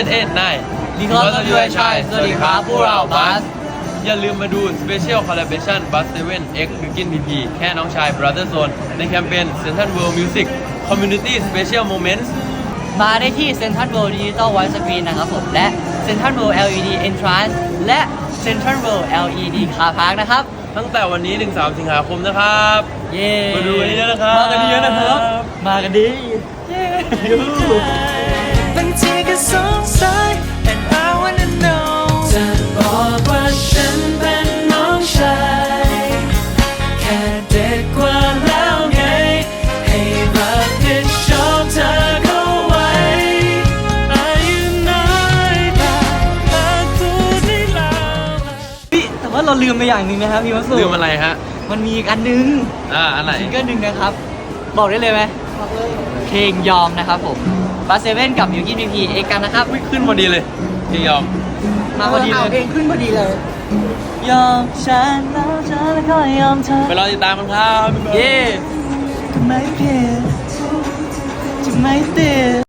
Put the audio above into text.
789 Because of you I shine สวัสดีครับพวกเราบัสอย่าลืมมาดู Special Collaboration Bus 7 X บิวกิน PP แค่น้องชาย Brother Zone ในแคมเปญ Central World Music Community Special Moments มาได้ที่ Central World Digital Wide Screen นะครับผมและ Central World LED Entrance และ Central World LED Car Park นะครับตั้งแต่วันนี้ถึง3 สิงหาคมนะครับเย้มาดูกันเยอะนะครับมากันเยอะนะครับ มากันดีเย้บางทีก็สงสัย and I wanna know จะบอกว่าฉันเป็นน้องชายแค่เด็กกว่าแล้วไงให้รับผิดชอบเธอเข้าไว้อายุน้อยแต่รักพูดได้แล้วแต่ว่าเราลืมไปอย่างหนึ่งนะครับพี่วัสุลืมอะไรฮะมันมีอีกอันนึงอันไหนซิงเกิลหนึ่งนะครับ บอกได้เลยไหมบอกเลยเพลงยอมนะครับผมบัสเซเว่นกับมิวกี้พีพีเอกกันนะครับขึ้นพอดีเลยพี่ยอมมาพอดีเลยเพลงขึ้นพอดีเลย ยอมฉันแล้วฉันแล้วก็ยอมเธอไปรอติดตามกันครับเย่ทำไมเพียจะไม่เตือน